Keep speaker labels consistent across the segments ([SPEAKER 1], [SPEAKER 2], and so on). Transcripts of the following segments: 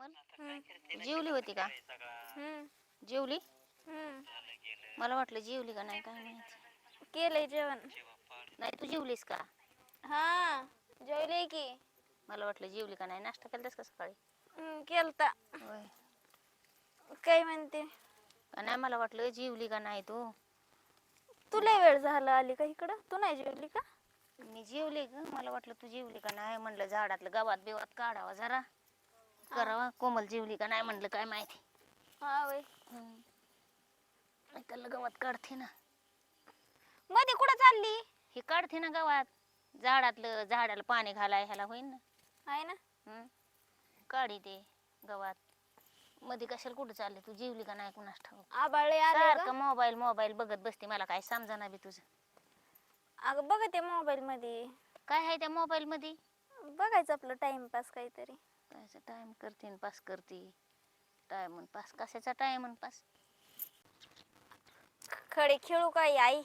[SPEAKER 1] जेवली होती का? जेवली?
[SPEAKER 2] हम्म
[SPEAKER 1] मला वाटलं जेवली का नाही काय माहिती.
[SPEAKER 2] केलंय जेवण.
[SPEAKER 1] नाही तू जेवलीस का?
[SPEAKER 2] हा जेवले की.
[SPEAKER 1] मला वाटलं जेवली का नाही. नाश्ता केलतास का सकाळी?
[SPEAKER 2] केलता.
[SPEAKER 1] होय.
[SPEAKER 2] काय म्हणते?
[SPEAKER 1] का नाही मला वाटलं जेवली का नाही तू.
[SPEAKER 2] तुला वेळ झाला आली का इकडं? तू नाही जेवली का?
[SPEAKER 1] मी जेवले ग. मला वाटलं तू जेवली का नाही. म्हणलं झाडातलं गवात बिवात काढावा जरा करावा. कोमल जेवली का नाही म्हणलं काय माहिती.
[SPEAKER 2] हा वय.
[SPEAKER 1] त्याला गवात काढते ना.
[SPEAKER 2] मध्ये कुठं चालली?
[SPEAKER 1] हे काढते ना गवात. झाडातलं झाडाला पाणी घालाय ह्याला होईन ना.
[SPEAKER 2] आहे ना.
[SPEAKER 1] काढी ते गवात. मध्ये कशाला कुठं चालले तू. जेवली का नाही कुणास ठाऊक.
[SPEAKER 2] आबाळे आले
[SPEAKER 1] सारखं मोबाईल मोबाईल बघत बसते. मला काय समजाना बी तुझं.
[SPEAKER 2] अगं बघते मोबाईल मध्ये.
[SPEAKER 1] काय आहे त्या मोबाईल मध्ये?
[SPEAKER 2] बघायचं आपलं टाइमपास काहीतरी.
[SPEAKER 1] कायचा टाइम करते पास करते. टाइम पास कशाचा टाइम पास.
[SPEAKER 2] खडे खेळू काय आई?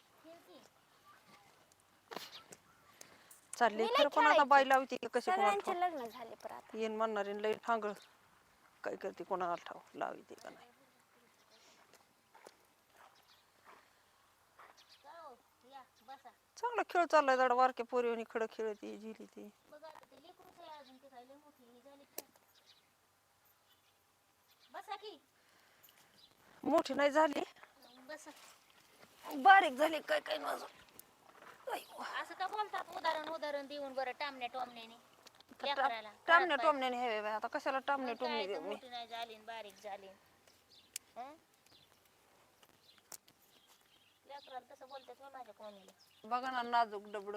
[SPEAKER 3] चालले खरं पण आता बाई लावते की कशी कोणाला
[SPEAKER 2] सगळ्यांचे लग्न झाले पर आता.
[SPEAKER 3] येईन म्हणणारे लई ठांगळ काय करते कोणाला ठाव लावते का नाही. चांगला खेळ चाललाय जरा वारक्या पोरीवानी खडं खेळती झिली ती. मोठी नाही झाली बारीक झाली काय काय माझं.
[SPEAKER 1] असं का बोलतात उदाहरण देऊन बरं टामण्या टोमण्याने.
[SPEAKER 3] टामण्या टोमण्याने हे बाई आता कशाला टामण्या टोमणे देऊ मी.
[SPEAKER 1] मोठी नाही झाली बारीक झाली. लेकराला तसं बोलतात माझ्या कोणीला.
[SPEAKER 3] बघा ना नाजूक डबड.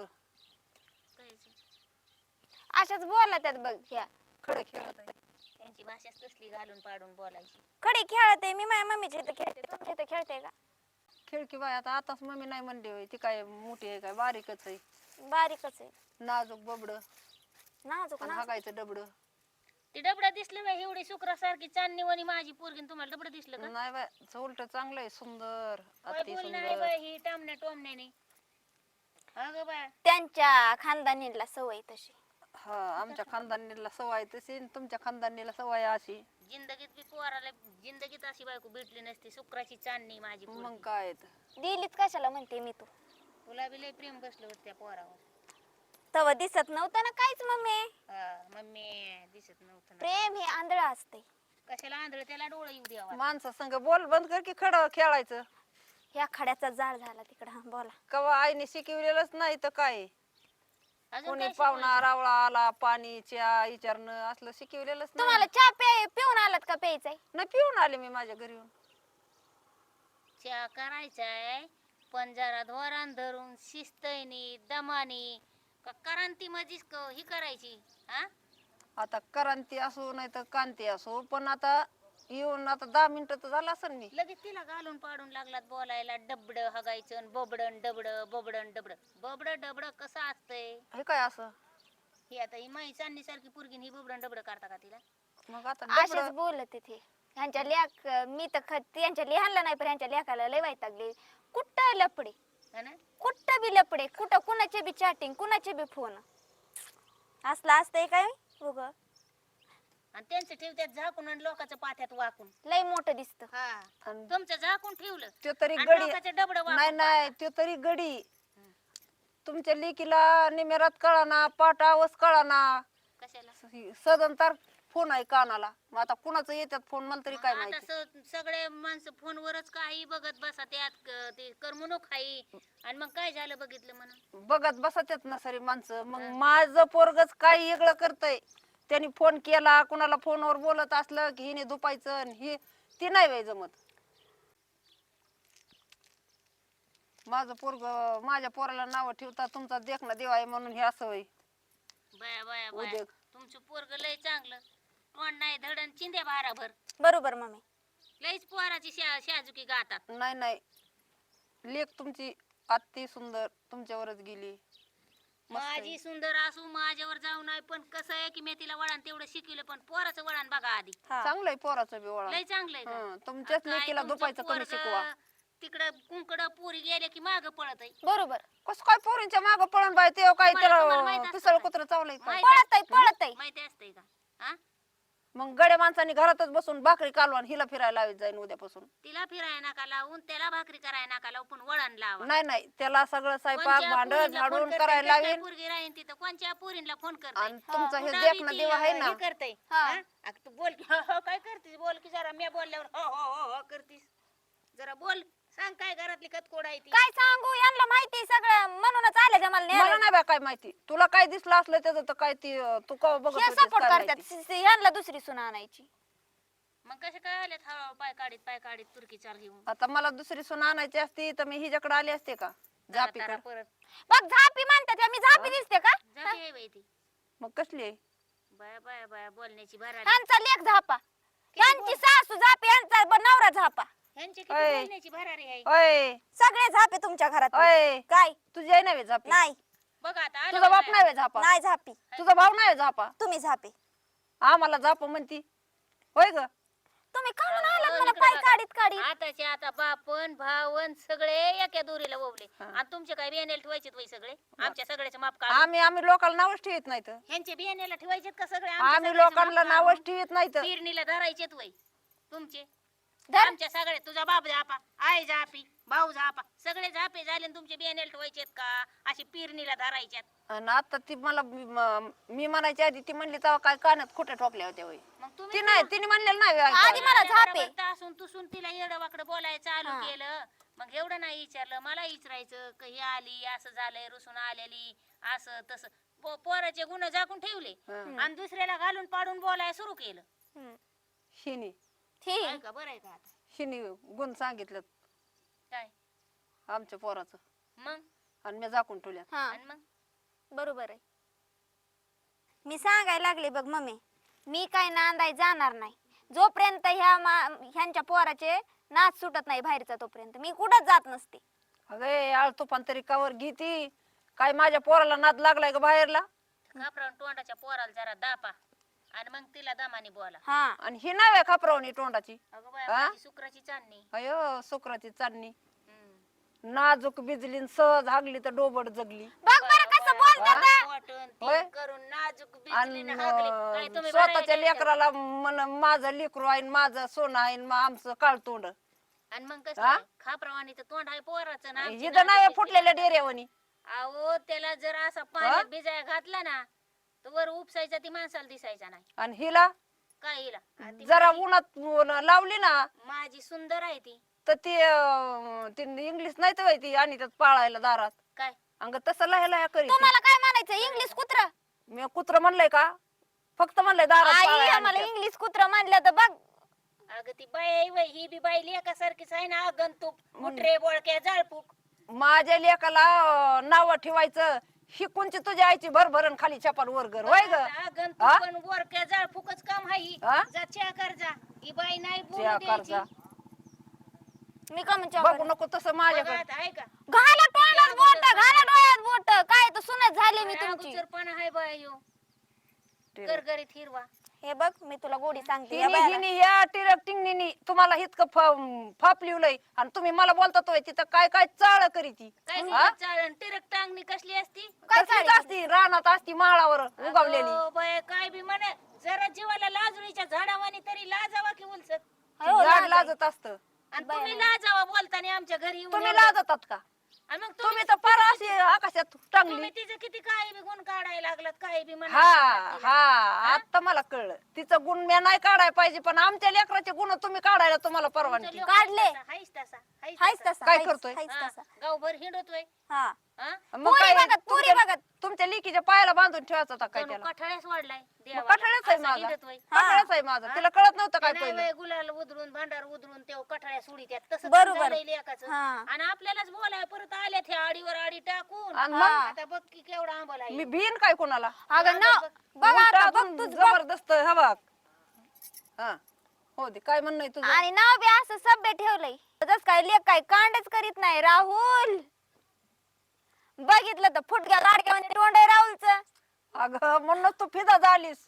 [SPEAKER 2] अशाच बोला त्यात बघ ह्या.
[SPEAKER 3] खडे खेळत
[SPEAKER 1] त्यांची भाषाच तसली घालून पाडून बोलायची.
[SPEAKER 2] खडे खेळते मी माझ्या मम्मीच्या इथं खेळते. तुमच्या इथं खेळते का?
[SPEAKER 3] खेळ की बाय आता आताच मम्मी नाही म्हणली होय. ती काय मोठी आहे काय बारीकच आहे.
[SPEAKER 2] बारीकच आहे.
[SPEAKER 3] नाजूक बबड
[SPEAKER 2] नाजूक
[SPEAKER 3] हागायचं डबड.
[SPEAKER 1] ती डबडा दिसलं बाई एवढी शुक्रासारखी चांदणीवाणी माझी पोरगी. तुम्हाला डबडं दिसलं का?
[SPEAKER 3] नाही बाय उलट चांगलं आहे सुंदर
[SPEAKER 1] काय
[SPEAKER 3] अति
[SPEAKER 1] बोल नाही
[SPEAKER 3] सुंदर.
[SPEAKER 1] बाई ही टामण्या टोमण्याने. अगं बाय
[SPEAKER 2] त्यांच्या खानदानीला सवय तशी.
[SPEAKER 3] हा आमच्या खानदानीला सवय तशी आणि तुमच्या खानदानीला सवय अशी.
[SPEAKER 1] जिंदगीत बी पोराला जिंदगीत अशी बायको भेटली नसती. शुक्राची चांदणी माझी
[SPEAKER 3] मग
[SPEAKER 1] पोरगी.
[SPEAKER 3] काय
[SPEAKER 2] दिलीत कशाला म्हणते मी तू.
[SPEAKER 1] तुला बी लय प्रेम बसलं होतं त्या पोरावर.
[SPEAKER 2] तवा दिसत नव्हतं ना काहीच मम्मी.
[SPEAKER 1] मम्मी दिसत नव्हतं ना.
[SPEAKER 2] प्रेम हे आंधळ असते.
[SPEAKER 1] कशाला आंधळ त्याला डोळं येऊ द्यावा.
[SPEAKER 3] माणसा संग बोल बंद कर की खडं खेळायचं.
[SPEAKER 2] ह्या खड्याचा जाळ झाला तिकडं. हा बोला.
[SPEAKER 3] कवा आईने शिकवलेलंच नाही तर काय.
[SPEAKER 1] अजून
[SPEAKER 3] कोणी
[SPEAKER 1] काय
[SPEAKER 3] पाहुणा रावळा आला पाणी चहा विचारणं असलं शिकवलेलंच नाही.
[SPEAKER 2] तुम्हाला चहा पिऊन आलात का प्यायचंय?
[SPEAKER 3] नाही पिऊन आले मी माझ्या घरी येऊन.
[SPEAKER 1] चहा करायचाय पण जरा धोरण धरून शिस्तनी दमानी का क्रांती मधीच ही करायची.
[SPEAKER 3] आता क्रांती असो नाही तर कांती असो पण आता येऊन आता 10 मिनिटं तर झालं असेल मी.
[SPEAKER 1] लगेच तिला घालून पाडून लागलात बोलायला. डबड हगायचं बोबडन डबड बोबडन डबड. बोबड डबड कसं असतंय
[SPEAKER 3] हे काय असं.
[SPEAKER 1] ही आता ही माई चांदणी सारखी पोरगी ही बोबडन डबड करता का तिला?
[SPEAKER 3] मग आता
[SPEAKER 2] असेच बोलत तिथे. ह्यांच्या लेख मी तर त्यांच्या लिहानला नाही पण ह्यांच्या लेखाला लय वैतागले. कुठं लपडे कुठं बी लपडे कुठं कुणाचे बी चॅटिंग कुणाचे बी फोन असला असतंय काय उग.
[SPEAKER 1] आणि त्यांचं ठेवत्यात झाकून आणि लोकांच्या पाथ्यात वाकून.
[SPEAKER 2] लय मोठं दिसत.
[SPEAKER 1] तुमचं झाकून ठेवलं
[SPEAKER 3] ते तरी
[SPEAKER 1] आणि
[SPEAKER 3] गडी
[SPEAKER 1] लोकांचं डबडं
[SPEAKER 3] नाही
[SPEAKER 1] वाकून
[SPEAKER 3] नाही ते तरी गडी. तुमच्या लेकीला निमेरात कळाना पाटावस कळाना.
[SPEAKER 1] कशाला
[SPEAKER 3] सदन तर फोन आहे कानाला. मग आता कुणाचं येतात फोन मला तरी काय
[SPEAKER 1] आता
[SPEAKER 3] माहिती.
[SPEAKER 1] सगळे माणसं फोनवरच काही बघत बसा. त्यात ते करमणूक खाई आणि मग काय झालं बघितलं म्हणून
[SPEAKER 3] बघत बसतात ना सारी माणसं. मग माझं पोरगच काही वेगळं करतय. त्यांनी फोन केला कुणाला फोनवर बोलत असलं की हिने दुपायचं ही ती नाही बाई जमत. माझं पोरग माझ्या पोराला नाव ठेवता तुमचा देखना देवा आहे म्हणून हे असं होय.
[SPEAKER 1] बाया बाया बाया तुमचं पोरग लय चांगलं. तोंड नाही धडण चिंध्या भाराभर.
[SPEAKER 2] बरोबर मम्मी.
[SPEAKER 1] लयच पोराची शाजुकी गातात.
[SPEAKER 3] नाही नाही लेक तुमची अति सुंदर तुमच्यावरच गेली.
[SPEAKER 1] माझी सुंदर असू माझ्यावर जाऊ नाही पण कसं आहे की मी तिला वळण तेवढं शिकवलं पण पोराचं वळण बघा आधी.
[SPEAKER 3] चांगलंय पोराचं बी वळण.
[SPEAKER 1] लय चांगलंय.
[SPEAKER 3] तुमच्याच लेकीला दुपायचं कमी शिकवा.
[SPEAKER 1] तिकडं कुंकड पुरी गेले की माग पळत आहे.
[SPEAKER 2] बरोबर.
[SPEAKER 3] कसं काय पोरींच्या माग पळून बाय ते काय त्याला पिसळ कुत्र चावलंय
[SPEAKER 2] पळत आहे
[SPEAKER 1] माहिती असतंय का?
[SPEAKER 3] मग गड्या माणसाने घरातच बसून भाकरी कालवा आणि हिला फिरायला लावीत जाईन उद्यापासून.
[SPEAKER 1] तिला फिराय नका लावून त्याला भाकरी कराय नका लावून पण वळण लावा.
[SPEAKER 3] नाही नाही त्याला सगळं स्वयंपाक
[SPEAKER 1] कोणच्या
[SPEAKER 3] भांड
[SPEAKER 1] पोरींना फोन
[SPEAKER 3] झाडून
[SPEAKER 1] करते,
[SPEAKER 3] करायला
[SPEAKER 1] कसल्या
[SPEAKER 3] लावीन.
[SPEAKER 1] पोरगी राहीन तिथं कोणच्या पोरींना फोन करते
[SPEAKER 3] आणि तुमचा हे
[SPEAKER 1] पुन्हा
[SPEAKER 3] देखणं
[SPEAKER 1] बी ती,
[SPEAKER 3] देव आहे ना.
[SPEAKER 1] हे करते तू बोल की, हो, हो, काय करतीस बोल की जरा. मी बोलल्यावर हो हो हो हो करतीस. जरा बोल सांग काय घरातली कतकोड आहे ती.
[SPEAKER 2] काय सांगू यांना माहिती सगळं म्हणूनच आले ते मला
[SPEAKER 3] मला
[SPEAKER 2] न्यायला.
[SPEAKER 3] नाही बा काय माहिती. तुला काय दिसलं असलं त्याचं तर काय ती तू कवा बघत
[SPEAKER 2] हे
[SPEAKER 3] होतीस
[SPEAKER 2] सपोर्ट
[SPEAKER 3] काय
[SPEAKER 2] करतात
[SPEAKER 3] माहिती.
[SPEAKER 2] यांना दुसरी सून आणायची.
[SPEAKER 1] मग कसे काय आले हळूहळू पाय काढीत तुर्की चाल घेऊन
[SPEAKER 3] आता मला दुसरी सून आणायची असती तर मी हिच्याकडे आली असते का
[SPEAKER 1] जरा
[SPEAKER 3] जापीकडे.
[SPEAKER 1] परत
[SPEAKER 2] बघ झापी म्हणतात मी झापी दिसते का?
[SPEAKER 1] जाती आहे बाई ती.
[SPEAKER 3] मग कसली आहे?
[SPEAKER 1] बाया बाया बाया बोलण्याची भरारी.
[SPEAKER 2] ह्यांचा लेख झापा, ह्यांची सासू झापी, ह्यांचा नवरा झापा.
[SPEAKER 1] ह्यांची किती
[SPEAKER 3] ओय.
[SPEAKER 1] बोलण्याची भरारी आहे.
[SPEAKER 3] ओय
[SPEAKER 2] सगळे झापे तुमच्या घरात.
[SPEAKER 3] ओय
[SPEAKER 2] काय
[SPEAKER 3] तुझी आहे नव्हे झापी?
[SPEAKER 2] नाही
[SPEAKER 1] बघ आता आलं
[SPEAKER 3] तुझा बाप
[SPEAKER 1] बघ
[SPEAKER 3] नाही व्हय झापा?
[SPEAKER 2] नाही झापी,
[SPEAKER 3] तुझा भाऊ नाही व्हय झापा?
[SPEAKER 2] तुम्ही झापे.
[SPEAKER 3] आम्हाला झाप म्हणती होय ग?
[SPEAKER 2] तुम्ही का म्हणून
[SPEAKER 1] अहो,
[SPEAKER 2] आलात मला
[SPEAKER 1] इकडे
[SPEAKER 2] पाय
[SPEAKER 1] बघा.
[SPEAKER 2] काढीत काढीत?
[SPEAKER 1] आताचे आता बापन भावन सगळे एका दोरीला ओवले
[SPEAKER 3] हा.
[SPEAKER 1] आणि तुमचे काय बियाण्याला ठेवायचे वय सगळे आमच्या सगळ्याचे माप काढ.
[SPEAKER 3] आम्ही लोकांना नावच ठेवत नाहीत.
[SPEAKER 1] ह्यांचे बियाण्याला ठेवायचे का सगळे
[SPEAKER 3] आम्ही लोकांना नावच ठेवत नाहीत.
[SPEAKER 1] पेरणीला धरायचेत वय तुमचे.
[SPEAKER 2] धर.
[SPEAKER 1] आमच्या सगळे तुझा बाप झापा, आई झापी, भाऊ झापा, सगळे झापे झाले आणि तुमचे बियाण्याला ठेवायचेत का अशी पेरणीला धरायच्यात.
[SPEAKER 3] आणि आता ती मला मी म्हणायची आधी ती म्हणली तेव्हा काय कानात खोट्या ठोकल्या होत्या होय.
[SPEAKER 1] मग
[SPEAKER 3] ती
[SPEAKER 1] तुम्ही
[SPEAKER 3] नाही तिने म्हणलेलं नाही
[SPEAKER 2] आधी
[SPEAKER 3] ऐकायला.
[SPEAKER 2] मला झापे.
[SPEAKER 1] तासून तुसून तिला येडवाकडं बोलायचं चालू
[SPEAKER 2] हा.
[SPEAKER 1] केलं. मग एवढं नाही विचारलं मला विचारायचं कही आली असं झालंय रुसून आलेली असं तसं पोराचे गुण झाकून ठेवले
[SPEAKER 3] हं.
[SPEAKER 1] आणि दुसऱ्याला घालून पाडून बोलायला सुरू केलं.
[SPEAKER 3] हिने
[SPEAKER 2] ठीक.
[SPEAKER 1] आहे का बरं आहे का आता
[SPEAKER 3] हिने गुण सांगितलं
[SPEAKER 1] काय
[SPEAKER 3] आमच्या पोराचं
[SPEAKER 1] मग
[SPEAKER 3] आणि मी झाकून ठेवल्या.
[SPEAKER 2] हा
[SPEAKER 1] आणि मग
[SPEAKER 2] बरोबर आहे. मी सांगायला लागले बघ मम्मी, मी काय नांदाय जाणार नाही जोपर्यंत ह्यांच्या पोराचे नाच सुटत नाही बाहेरचा, तोपर्यंत मी कुठंच जात नसते.
[SPEAKER 3] अगे आळ तुफान तरी कावर घेती काय माझ्या पोराला नाद लागलाय का बाहेरला.
[SPEAKER 1] घाबरावून तोंडाच्या पोराला जरा दापा आणि मग तिला दमाने बोला.
[SPEAKER 2] हा
[SPEAKER 3] आणि ही नाव आहे खापरावणी तोंडाची.
[SPEAKER 1] अगं बाया
[SPEAKER 3] हा?
[SPEAKER 1] माझी शुक्राची चांदणी.
[SPEAKER 3] अयो सुकराची चांदणी
[SPEAKER 1] हम्म.
[SPEAKER 3] नाजूक बिजली न सहज हागली तर डोबड जगली.
[SPEAKER 2] बघ बरं कसं बोलतात.
[SPEAKER 3] हा?
[SPEAKER 1] वाटून ती
[SPEAKER 3] होय?
[SPEAKER 1] करून नाजूक
[SPEAKER 3] आणि
[SPEAKER 1] बिजलीनं हागली. काय तुम्ही
[SPEAKER 3] स्वतःच्या
[SPEAKER 1] बरं आहे का?
[SPEAKER 3] लेकराला म्हण माझं लेकरू आहे न माझं सोनं आहे न आमचं काळ तोंड.
[SPEAKER 1] आणि मग कसं
[SPEAKER 3] हा?
[SPEAKER 1] आहे? खापरावानी तर तोंड आहे पोराचं ना आमची
[SPEAKER 3] इथं नाही
[SPEAKER 1] नाजूक
[SPEAKER 3] फुटलेल्या
[SPEAKER 1] बिजली.
[SPEAKER 3] डेऱ्यावणी.
[SPEAKER 1] अहो त्याला जर असा पाण्यात भिजाया घातला ना तर वर उपसायचा ती माणसाला दिसायचा नाही.
[SPEAKER 3] आणि हिला
[SPEAKER 1] काय हिला ती
[SPEAKER 3] जरा
[SPEAKER 1] माझी-
[SPEAKER 3] उन्हात लावली ना
[SPEAKER 1] माझी सुंदर आहे ती.
[SPEAKER 3] तर ती इंग्लिश नाही तर ती आणि त्यात पाळायला दारात
[SPEAKER 1] काय
[SPEAKER 3] अंग तसं लह्या लह्या करीत.
[SPEAKER 2] तुम्हाला काय म्हणायचं इंग्लिश कुत्र?
[SPEAKER 3] मी कुत्र म्हणलंय का? फक्त म्हणलंय दारात
[SPEAKER 2] आई
[SPEAKER 3] पाळायला
[SPEAKER 2] आम्हाला
[SPEAKER 3] आणत्यात.
[SPEAKER 2] इंग्लिश कुत्र म्हणलं तर बघ.
[SPEAKER 1] अगं ती बाई आहे वय, ही बी बाई लेकासारखीच आहे ना गंतूक मुठरे बोळक्या जाळपूक.
[SPEAKER 3] माझ्या लेकाला नाव ठेवायचं ही कोणची तुझ्या आईची भरभरण खाली चपाल वरगर होय ग.
[SPEAKER 1] गंतूक
[SPEAKER 3] हा?
[SPEAKER 1] पण बोळक्या जाळपूकच काम आहे ही.
[SPEAKER 3] हा?
[SPEAKER 1] जा च्या कर जा ही बाई नाही बोलू
[SPEAKER 3] त्या
[SPEAKER 1] द्यायची.
[SPEAKER 3] कर्जा.
[SPEAKER 2] मी का म्हणतो
[SPEAKER 3] बघू नको तसं
[SPEAKER 1] बघा
[SPEAKER 3] माझ्याकडे.
[SPEAKER 1] आता, आहे का
[SPEAKER 2] घाला तोंडात बोट, घाला डोळ्यात बोट. काय तर सुनत झाले मी तुमची.
[SPEAKER 1] अगोदरपणा आहे बाई ह्यो. गरगरीत हिरवा.
[SPEAKER 2] हे बघ मी तुला गोडी सांगते या
[SPEAKER 3] हिनी
[SPEAKER 2] बायाला.
[SPEAKER 3] हिनी या टिरकटिंगनी तुम्हाला इतकं फाप लिवलंय आणि तुम्ही मला बोलता तिथं काय काय चाळ करीती.
[SPEAKER 1] काय
[SPEAKER 3] हा?
[SPEAKER 1] चालन टिरक टांगणी कसली असती?
[SPEAKER 2] काय
[SPEAKER 3] कसलीच
[SPEAKER 2] चाळीची?
[SPEAKER 3] असती रानात असती माळावर उगवलेली.
[SPEAKER 1] अगो बाई, काय बी म्हणे जरा जीवाला लाजळीच्या झाडावानी तरी लाजावा की उलसत.
[SPEAKER 2] हो,
[SPEAKER 3] झाड
[SPEAKER 2] लाज
[SPEAKER 3] लाजत असत.
[SPEAKER 1] आणि तुम्ही लाजावा बोलताना आमच्या घरी येऊन
[SPEAKER 3] तुम्ही
[SPEAKER 1] एवढं.
[SPEAKER 3] लाजतात का?
[SPEAKER 1] आणि मग
[SPEAKER 3] तुम्ही तर फार अशी आकाशात टांगली.
[SPEAKER 1] तुम्ही तिचं किती काही बी गुण काढायला लागलात काही बी म्हणा
[SPEAKER 3] हा हा आता मला कळलं तिचं गुण मी नाही काढायला पाहिजे पण आमच्या लेकराचे गुण तुम्ही काढायला तुम्हाला परवानगी.
[SPEAKER 2] काढले.
[SPEAKER 1] हायच तसा
[SPEAKER 2] हायच तसा
[SPEAKER 3] काय
[SPEAKER 2] हायच-
[SPEAKER 3] करतोय?
[SPEAKER 2] हायच
[SPEAKER 1] हा,
[SPEAKER 2] तसा.
[SPEAKER 1] गावभर हिंडतोय.
[SPEAKER 2] हा
[SPEAKER 1] हा?
[SPEAKER 3] मग
[SPEAKER 2] पुरी
[SPEAKER 3] काय
[SPEAKER 2] बघत, पुरी
[SPEAKER 3] तुमच्या-
[SPEAKER 2] बघत.
[SPEAKER 3] तुमच्या लेकीच्या पायाला बांधून ठेवायचा होता काय
[SPEAKER 1] जणू
[SPEAKER 3] त्याला?
[SPEAKER 1] कठाळ्याच वाढलाय
[SPEAKER 3] मग
[SPEAKER 1] देवाला.
[SPEAKER 3] कठाळ्याच आहे
[SPEAKER 1] असा
[SPEAKER 3] माझा.
[SPEAKER 1] हिंडतोय.
[SPEAKER 3] कठाळ्याच आहे माझा. तिला कळत नव्हतं काय
[SPEAKER 1] नाही
[SPEAKER 3] पहिलं.
[SPEAKER 1] बाई, गुलाल उधळून भांडार उधळून तेव्हा कठाळ्या सोडीत्यात तसं
[SPEAKER 2] बरोबर.
[SPEAKER 1] झालंय लेकाचं.
[SPEAKER 2] हा.
[SPEAKER 1] आणि आपल्यालाच बोलाय परत आल्या त्या आडीवर आडी टाकून.
[SPEAKER 3] आणि मग?
[SPEAKER 1] आता बघ की केवढा आंबला आहे.
[SPEAKER 3] मी भीन काय कोणाला?
[SPEAKER 2] अगं ना बघ
[SPEAKER 3] उलटा
[SPEAKER 2] आता बघ
[SPEAKER 3] अजून
[SPEAKER 2] तुझ
[SPEAKER 3] जबरदस्त हा बघ. हा हो दे काय म्हणणं आहे तुझं?
[SPEAKER 2] आणि नाव बी असं सभ्य ठेवलंय जस काय लेख काय कांडच करीत नाही. राहुल बघितलं तर फुटक्या लाडक्या तोंड आहे राहुलचं.
[SPEAKER 3] अगं म्हणून तू फिदा झालीस.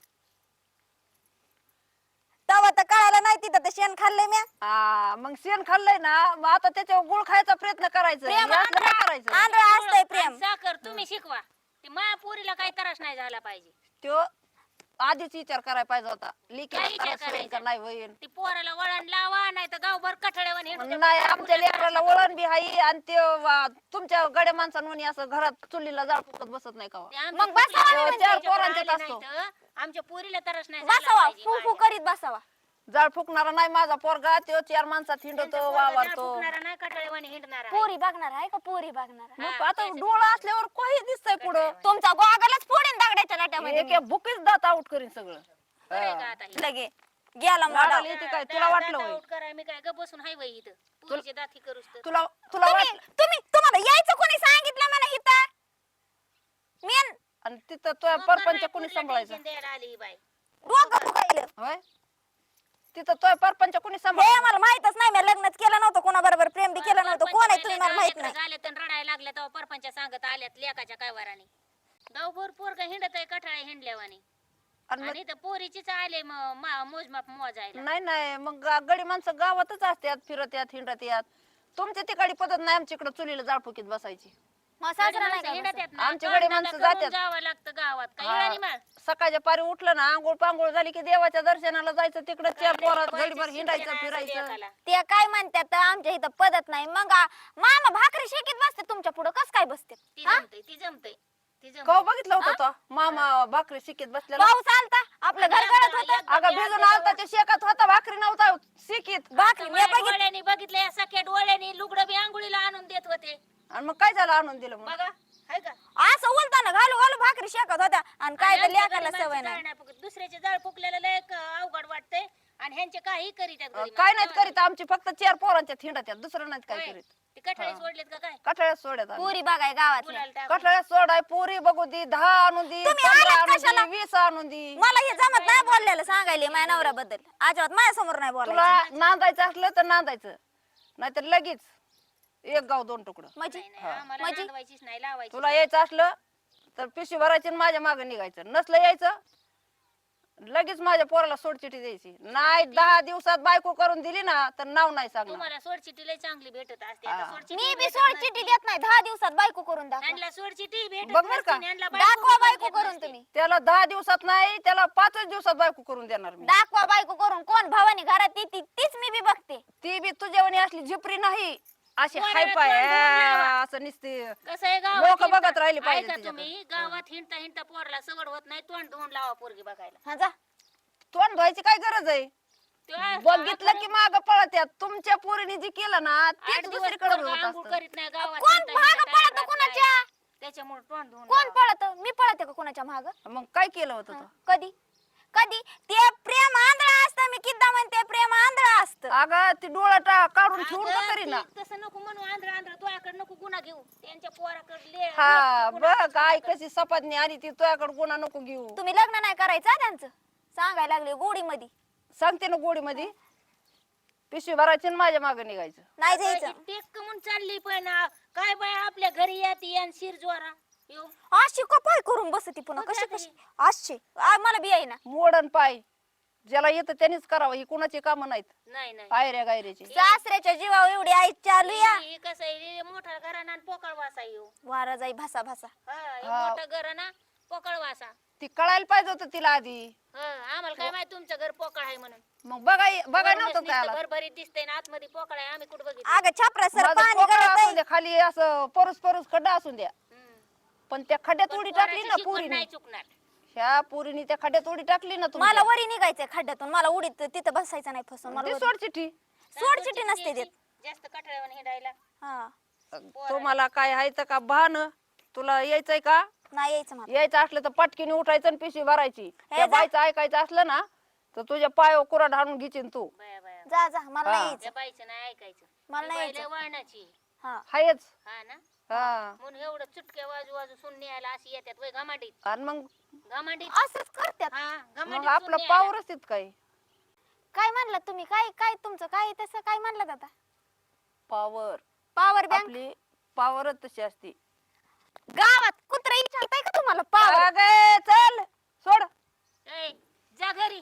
[SPEAKER 2] तवा तर कळालं नाही तिथं तर शेण खाल्लंय म्या.
[SPEAKER 3] मग शेण खाल्लंय ना मग आता त्याच्यावर गुळ खायचा प्रयत्न करायचा.
[SPEAKER 2] प्रेम
[SPEAKER 3] हे असलं काय करायचं?
[SPEAKER 2] आंधळा असतंय प्रेम.
[SPEAKER 1] आणि साखर तुम्ही शिकवा. ती माया पोरीला काही त्रास नाही झाला पाहिजे.
[SPEAKER 3] त्यो आधीच विचार करायला पाहिजे होता
[SPEAKER 1] काय
[SPEAKER 3] लेकीला
[SPEAKER 1] विचार
[SPEAKER 3] त्रास होईल का
[SPEAKER 1] करायचा?
[SPEAKER 3] नाही होईल.
[SPEAKER 1] ती पोराला वळण लावा नाही तर गावभर कठड्यावर हिंडू दे.
[SPEAKER 3] नाही आमच्या लेकराला वळण बी हाई आणि ते तुमच्या गड्या माणसांनी असं घरात चुलीला जाळ फुकत बसत नाही का
[SPEAKER 1] ते आमच्या
[SPEAKER 2] मग बसावा
[SPEAKER 1] पोरीला
[SPEAKER 3] नाही
[SPEAKER 1] चार
[SPEAKER 3] म्हणजे.
[SPEAKER 1] पोरांच्यात
[SPEAKER 3] पोरांच्यात
[SPEAKER 1] असतो. आमच्या पोरीला तरच नाही
[SPEAKER 2] बसावा फू फू करीत बसावा.
[SPEAKER 3] जाळ फुकणारा नाही माझा पोरगा तो 4 माणसात हिंडतो वावरतो.
[SPEAKER 1] नाही कठड्यावर हिंडणार आहे.
[SPEAKER 2] पोरी बघणार आहे का पोरी बघणार आहे?
[SPEAKER 3] मग आता डोळा असल्यावर काही दिसतंय पुढं
[SPEAKER 2] तुमचा गोगलच फोडीन दगडाच्या लाट्यामध्ये
[SPEAKER 3] एक भुकीच दात आउट करीन सगळं.
[SPEAKER 1] बरं आहे का आता हे?
[SPEAKER 2] लगे गेला मोडा.
[SPEAKER 3] लाडाला येते काय तुला वाटलं होय?
[SPEAKER 1] आउट करा मी काय ग बसून हाय बाई इथं पोरीचे दाती करूस तर
[SPEAKER 3] तुला तुला वाटलं
[SPEAKER 2] तुम्हाला यायचं कोणी सांगितलं मला इथं? मी
[SPEAKER 3] आणि तिथं तो परपंच कोणी सांभाळायचं
[SPEAKER 1] द्यायला आली ही बाई.
[SPEAKER 2] डोकं फुगायलं.
[SPEAKER 3] होय तिथं तो परपंच कोणी
[SPEAKER 2] हे
[SPEAKER 3] सांभाळायचं.
[SPEAKER 2] मला माहितच नाही. मी लग्नच केलं नव्हतं कोणाबरोबर, प्रेम बी केलं नव्हतं. कोण आहे तुम्ही मला माहित नाही.
[SPEAKER 1] झाले तर रडायला लागले तेव्हा परपंच सांगत आल्यात लेकाच्या काय वराने गावभर पोरग हिंडत आहे कठाळ्या हिंडल्यावानी
[SPEAKER 3] आणि मग-
[SPEAKER 1] आणि तर पोरीचीच आले मोजमाप मोजायला.
[SPEAKER 3] नाही नाही मग गडी माणसं गावातच असतात फिरत्यात हिंडत्यात. तुमच्या तिकडे पद्धत नाही आमच्या इकडे चुलीला जाळ फुकीत बसायची.
[SPEAKER 2] मग सासरा नाही का
[SPEAKER 1] हिंडत
[SPEAKER 2] बसत?
[SPEAKER 1] आहेत ना,
[SPEAKER 3] आमची गडी
[SPEAKER 1] कांडाला
[SPEAKER 3] माणसं
[SPEAKER 1] करून
[SPEAKER 3] जात्यात.
[SPEAKER 1] जावं लागतं गावात काय
[SPEAKER 3] हा.
[SPEAKER 1] येळानी माळ.
[SPEAKER 3] सकाळच्या पारी उठलं ना आंघोळ पांघोळ झाली की देवाच्या दर्शनाला जायचं तिकडे 4 पोरात गडीभर हिंडायचं फिरायचं.
[SPEAKER 2] ते काय म्हणतात आमच्या इथं पद्धत नाही. मग मामा भाकरी शेकीत बसते तुमच्या पुढं कस काय बसते?
[SPEAKER 1] ती
[SPEAKER 2] हा?
[SPEAKER 1] जमतंय ती जमतंय ती जमतंय.
[SPEAKER 3] कवा बघितलं होतं तो मामा भाकरी शिकीत बसलेला.
[SPEAKER 2] पाऊस आलता आपलं घर गळत होतं.
[SPEAKER 3] अगं भिजून आलता ते शेकात होता भाकरी नव्हता शिकीत.
[SPEAKER 2] भाकरी मी
[SPEAKER 1] माझ्या
[SPEAKER 2] बघितली.
[SPEAKER 1] डोळ्यांनी बघितलं या सख्या डोळ्यांनी लुगडं बी आंघोळीला आणून देत होते
[SPEAKER 3] आणि मग काय झालं आणून दिलं मग.
[SPEAKER 1] बघा हाय का
[SPEAKER 2] असं उलताना घालू घालू भाकरी शेकत होत्या आणि काय तर
[SPEAKER 1] आणि आमच्या
[SPEAKER 2] लेकाला
[SPEAKER 1] घरी
[SPEAKER 2] सवय
[SPEAKER 1] माणसं
[SPEAKER 2] नाही.
[SPEAKER 1] जाळ नाही फुकत. दुसऱ्याचे जाळ फुकलेलं लय अवघड वाटतंय आणि ह्यांचे काही करीत आहेत घरी
[SPEAKER 3] काय
[SPEAKER 1] माणसं.
[SPEAKER 3] नाहीत करीत आमची फक्त 4 पोरांच्या हिंडत्यात दुसरं नाहीत काय
[SPEAKER 1] होय.
[SPEAKER 3] करीत.
[SPEAKER 1] ते कठाळे सोडलेत का काय
[SPEAKER 3] कठाळ्यात सोडत
[SPEAKER 2] पुरी बघाय गावातली.
[SPEAKER 1] मुलाला टाकून.
[SPEAKER 3] कठाळ्यात सोडाय पुरी बघू दी 10 आणून दी
[SPEAKER 2] तुम्ही
[SPEAKER 3] 15
[SPEAKER 2] आलात
[SPEAKER 3] आणून
[SPEAKER 2] कशाला?
[SPEAKER 3] दी 20 आणून दी.
[SPEAKER 2] मला हे जमत नाही बोललेलं सांगायले माझ्या नवऱ्याबद्दल. अजिबात माझ्यासमोर नाही बोलायचं.
[SPEAKER 3] तुला नांदायचं असलं तर नांदायचं नाहीतर लगेच 1 गाव 2 तुकडं.
[SPEAKER 2] म्हणजे
[SPEAKER 1] नाही, नाही, आम्हाला
[SPEAKER 2] म्हणजे?
[SPEAKER 1] नांदवायचीच नाही लावायची
[SPEAKER 3] तुला यायचं असलं तर पिशवी भरायची आणि माझ्या मागे निघायचं. नसलं यायचं लगेच माझ्या पोराला सोडचिठी द्यायची. नाही 10 दिवसात बायको करून दिली ना तर नाव नाही सांगणार.
[SPEAKER 1] तुम्हाला सोडचिठी लय चांगली भेटत असते आता
[SPEAKER 3] हा.
[SPEAKER 1] सोडचिठी
[SPEAKER 2] मी बी
[SPEAKER 1] भेटत
[SPEAKER 2] सोड
[SPEAKER 1] नसते.
[SPEAKER 2] चिठी देत नाही. 10 दिवसात बायको करून दाखवा.
[SPEAKER 1] ह्यांना सोडचिठी भेटत
[SPEAKER 3] बघ बरं का?
[SPEAKER 1] नसते, ह्यांना बायको
[SPEAKER 2] दाखवा
[SPEAKER 1] करून
[SPEAKER 2] बायको
[SPEAKER 1] देत
[SPEAKER 2] करून
[SPEAKER 1] नसते.
[SPEAKER 2] तुम्ही.
[SPEAKER 3] त्याला 10 दिवसात नाही त्याला 5 दिवसात बायको करून देणार मी.
[SPEAKER 2] दाखवा बायको करून. कोण भावानी घरात येते तीच मी बी बघते.
[SPEAKER 3] ती बी तुझ्यावानी असली झिपरी नाही अशी
[SPEAKER 1] पोराला
[SPEAKER 3] हाय पाय
[SPEAKER 1] तोंड धरून लावा.
[SPEAKER 3] असं निसते.
[SPEAKER 1] कसं आहे
[SPEAKER 3] लोकं
[SPEAKER 1] हिंडता-
[SPEAKER 3] बघत राहिले पाहिजे
[SPEAKER 1] ऐका
[SPEAKER 3] तिच्याकडे.
[SPEAKER 1] तुम्ही गावात हिंडता हिंडता पोरला सवड होत नाही तोंड धुवून लावा पोरगी बघायला
[SPEAKER 2] हा जा.
[SPEAKER 3] तोंड धुवायची काय गरज आहे.
[SPEAKER 1] तेव्हा
[SPEAKER 3] बघितलं की माग पळत्यात. तुमच्या पोरीने जे केलं ना
[SPEAKER 1] आठ
[SPEAKER 3] तेच
[SPEAKER 1] दिवस
[SPEAKER 3] दुसरीकडे
[SPEAKER 1] पोरगं
[SPEAKER 3] होत
[SPEAKER 1] आंघोळ
[SPEAKER 3] असतं.
[SPEAKER 1] करीत नाही गावात
[SPEAKER 2] कोण
[SPEAKER 1] हिंडता
[SPEAKER 2] मागं
[SPEAKER 1] हिंडता
[SPEAKER 2] पळतं
[SPEAKER 1] राहत
[SPEAKER 2] कुणाच्या?
[SPEAKER 1] नाही. त्याच्यामुळे तोंड धुवून
[SPEAKER 2] कोण
[SPEAKER 1] लावा.
[SPEAKER 2] पळत? मी पळते का कुणाच्या माग?
[SPEAKER 3] मग काय केलं होतं तो?
[SPEAKER 2] कधी कधी ते प्रेम आंधळा असतं. मी किद्दा म्हणते प्रेम आंधळा असतं.
[SPEAKER 3] अगं ती डोळा काढून ठेवून का
[SPEAKER 1] अगं,
[SPEAKER 3] तरी ना.
[SPEAKER 1] ती तसं नको म्हणू आंध्र आंध्र तुझ्याकडे नको गुन्हा घेऊ त्यांच्या पोराकडे
[SPEAKER 3] हा बघ आई कशी सपाटणी आली ती तुझ्याकडे गुन्हा नको घेऊ.
[SPEAKER 2] तुम्ही लग्न नाही करायचं हा त्यांचं. सांगायला लागले गोडी मध्ये.
[SPEAKER 3] सांगते ना गोडी मध्ये पिशवी भरायची आणि माझ्या मागे निघायचं.
[SPEAKER 2] नाही जायचं.
[SPEAKER 1] टेक कमून चालली पण काय बाय आपल्या घरी येते आणि शिर ज्वारा येऊ
[SPEAKER 2] अशी कपाय करून बसती पुन्हा.
[SPEAKER 1] मग
[SPEAKER 2] कशी
[SPEAKER 1] काय
[SPEAKER 2] कशी अशी मला बी आहे ना.
[SPEAKER 3] मोडन पाय ज्याला येतं त्यांनीच करावं. ही कुणाची कामं नाहीत
[SPEAKER 1] नाही नाही
[SPEAKER 3] आयऱ्या गायऱ्याची.
[SPEAKER 2] सासऱ्याच्या जीवावर एवढी आई चालू या.
[SPEAKER 1] हे कसं आहे मोठा घराना आणि पोकळ वासा येऊ
[SPEAKER 2] वारा जाई भासा भासा.
[SPEAKER 3] हा.
[SPEAKER 1] मोठा घराना पोकळ वासा
[SPEAKER 3] ती कळायला पाहिजे होतं तिला आधी.
[SPEAKER 1] आम्हाला काय माहिती तुमचं घर पोकळ आहे म्हणून
[SPEAKER 3] मग बघाय नव्हतं त्याला.
[SPEAKER 1] भरभरीत दिसतंय ना आतमध्ये पोकळ आहे आम्ही कुठं बघितलं
[SPEAKER 2] अगं छापरा सर
[SPEAKER 3] माझं
[SPEAKER 2] पाणी
[SPEAKER 3] पोकळ
[SPEAKER 2] गळत
[SPEAKER 3] असू
[SPEAKER 2] आहे.
[SPEAKER 3] द्या खाली असं परूस खड्डा असून द्या
[SPEAKER 1] हम्म.
[SPEAKER 3] पण त्या खड्ड्यात
[SPEAKER 1] पण
[SPEAKER 3] उडी टाकली
[SPEAKER 1] पोराची
[SPEAKER 3] ना
[SPEAKER 1] शिकवण
[SPEAKER 3] पुरीने.
[SPEAKER 1] नाही चुकणार
[SPEAKER 3] ह्या पुरीने त्या खड्ड्यात उडी टाकली ना
[SPEAKER 2] मला
[SPEAKER 3] तुमच्या.
[SPEAKER 2] वरी निघायचंय खड्ड्यातून. मला उडीत तिथं बसायचं नाही फसून. मला
[SPEAKER 3] ती
[SPEAKER 2] वरी-
[SPEAKER 3] सोड चिठ्ठी.
[SPEAKER 2] सोड चिठी नसते देत.
[SPEAKER 1] जास्त कठड्यावर हिंडायला
[SPEAKER 2] हा
[SPEAKER 3] तुम्हाला काय आहे तर का भान तुला यायचंय का?
[SPEAKER 2] नाही यायचं मला.
[SPEAKER 3] यायचं असलं तर पटकीने उठायचं आणि पिशवी भरायची. त्या
[SPEAKER 2] जा.
[SPEAKER 3] बाईचं ऐकायचं असलं ना तर तुझ्या पायावर कुऱ्हाड हाणून घिचीन तू.
[SPEAKER 1] बाया बाया
[SPEAKER 2] जा जा मला नाही
[SPEAKER 3] हा.
[SPEAKER 2] यायचं.
[SPEAKER 1] त्या बाईचं नाही ऐकायचं
[SPEAKER 2] मला
[SPEAKER 1] ती
[SPEAKER 2] नाही
[SPEAKER 1] बाई लय
[SPEAKER 2] यायचं.
[SPEAKER 1] वळणाची
[SPEAKER 2] हा
[SPEAKER 3] हायच.
[SPEAKER 1] हा ना
[SPEAKER 3] हा
[SPEAKER 1] म्हणून एवढं चुटक्या वाजू वाजू सुन न्यायला अशी येतात वय घमाडीत
[SPEAKER 3] आणि मग
[SPEAKER 1] घमाडीत
[SPEAKER 2] असंच करतात.
[SPEAKER 1] हा
[SPEAKER 3] मग
[SPEAKER 1] घमाडीत
[SPEAKER 3] आपलं
[SPEAKER 1] सून न्यायला.
[SPEAKER 3] पावरच तित काय
[SPEAKER 2] काय म्हणलात तुम्ही? काय काय तुमचं काय तसं काय म्हणलात आता?
[SPEAKER 3] पावर
[SPEAKER 2] पॉवर बँक
[SPEAKER 3] आपली पावरच तशी असते.
[SPEAKER 2] गावात कुत्रा विचारताय का तुम्हाला पॉवर?
[SPEAKER 3] अगं, चल सोड.
[SPEAKER 1] ए, जा घरी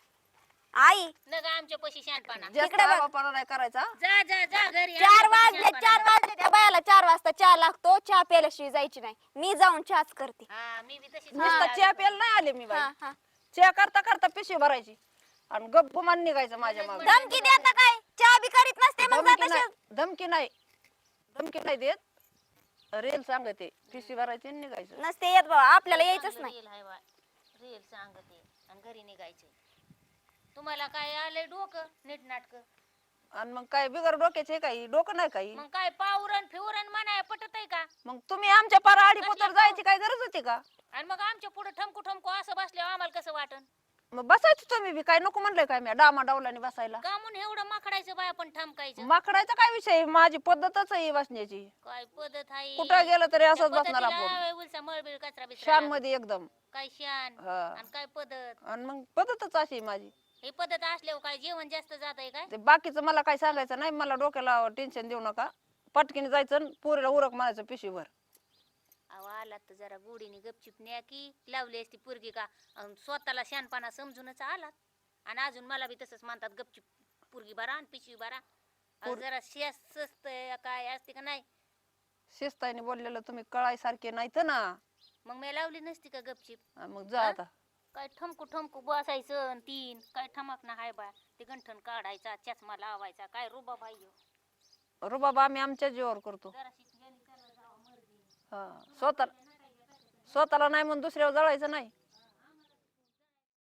[SPEAKER 2] आई
[SPEAKER 1] न ग आमच्या पशी शानपणा
[SPEAKER 3] जास्त
[SPEAKER 2] तिकडे बघ.
[SPEAKER 3] वापरा नाही करायचा.
[SPEAKER 1] जा जा जा घरी
[SPEAKER 2] 4
[SPEAKER 1] आमच्या
[SPEAKER 2] वाजले.
[SPEAKER 1] पशी शानपणा.
[SPEAKER 2] 4 वाजले. त्या बायाला 4 वाजता चहा लागतो. चहा प्यायल्याशिवाय जायची नाही. मी जाऊन चहाच करते.
[SPEAKER 1] हा मी बी तशीच
[SPEAKER 3] नुसता चहा प्यायला नाही आले मी बाई.
[SPEAKER 2] हा हा
[SPEAKER 3] चहा करता करता पिशवी भरायची आणि गप गुमान निघायचं माझ्या मागे.
[SPEAKER 2] धमकी देता काय चहा बी करीत नसते मग
[SPEAKER 3] धमकी
[SPEAKER 2] जात
[SPEAKER 3] नाही धमकी नाही देत, रेल सांगते पिशवी भरायची आणि निघायचं.
[SPEAKER 2] नसते येत बाबा आपल्याला यायचंच नाही.
[SPEAKER 1] रेल हाय बा, रेल सांगते आणि घरी निघायचे. तुम्हाला काय आलंय डोकं नीट नाटक?
[SPEAKER 3] आणि मग काय बिगर डोक्याचे काही डोकं नाही काही.
[SPEAKER 1] मग काय पावरण फिवरण म्हणाय पटत आहे का?
[SPEAKER 3] मग तुम्ही आमच्या पार आडी पोतर जायची काय गरज होती का?
[SPEAKER 1] आणि मग आमच्या पुढे ठमकू ठमकू असं बसल्यावर आम्हाला कसं वाटन?
[SPEAKER 3] मग बसायचं तुम्ही बी, काय नको म्हणलंय काय मी डामा डावलाने बसायला?
[SPEAKER 1] का म्हणून एवढं माकडायचं बाय आपण ठमकायचं?
[SPEAKER 3] माकडायचा काय विषय, माझी पद्धतच आहे बसण्याची.
[SPEAKER 1] काय पद्धत आहे?
[SPEAKER 3] कुठं गेलं तरी असंच बसणार आपण,
[SPEAKER 1] आपण उलसा मळबिळ कचरा बिचरा
[SPEAKER 3] शान
[SPEAKER 1] लागत.
[SPEAKER 3] मध्ये एकदम.
[SPEAKER 1] काय शान
[SPEAKER 3] हा.
[SPEAKER 1] आणि काय पद्धत?
[SPEAKER 3] आणि मग पद्धतच अशी आहे माझी.
[SPEAKER 1] ही पद्धत असल्यावर काय जेवण जास्त जात आहे काय?
[SPEAKER 3] ते बाकीचं मला काय सांगायचं नाही, मला डोक्याला टेन्शन देऊ नका. पटकीने जायचं आणि पोरीला उरक म्हणायचं पिशवीभर.
[SPEAKER 1] अहो आलात तर जरा गोडीने गपचिप न्या की, लावली असती पोरगी का स्वतःला शानपणा समजूनच आलात. आणि अजून मला बी तसंच म्हणतात गपचिप पोरगी भरा आणि पिशवी भरा. अहो, जरा शिस्त काय असते का नाही?
[SPEAKER 3] शिस्ताने बोललेलं तुम्ही कळायसारखे नाहीत ना.
[SPEAKER 1] मग मी लावली नसती का गपचिप?
[SPEAKER 3] मग जा
[SPEAKER 1] हा?
[SPEAKER 3] आता.
[SPEAKER 1] काय ठमकू ठमकू बसायचं आणि तीन काय ठमक ना हाय बा, ते गंठन काढायचा चष्मा लावायचा, काय रुबा बाई
[SPEAKER 3] रुबाबा आम्ही आमच्या जीवावर करतो.
[SPEAKER 1] जरा
[SPEAKER 3] हा, स्वतःला नाही म्हणून दुसऱ्यावर जळायचं नाही.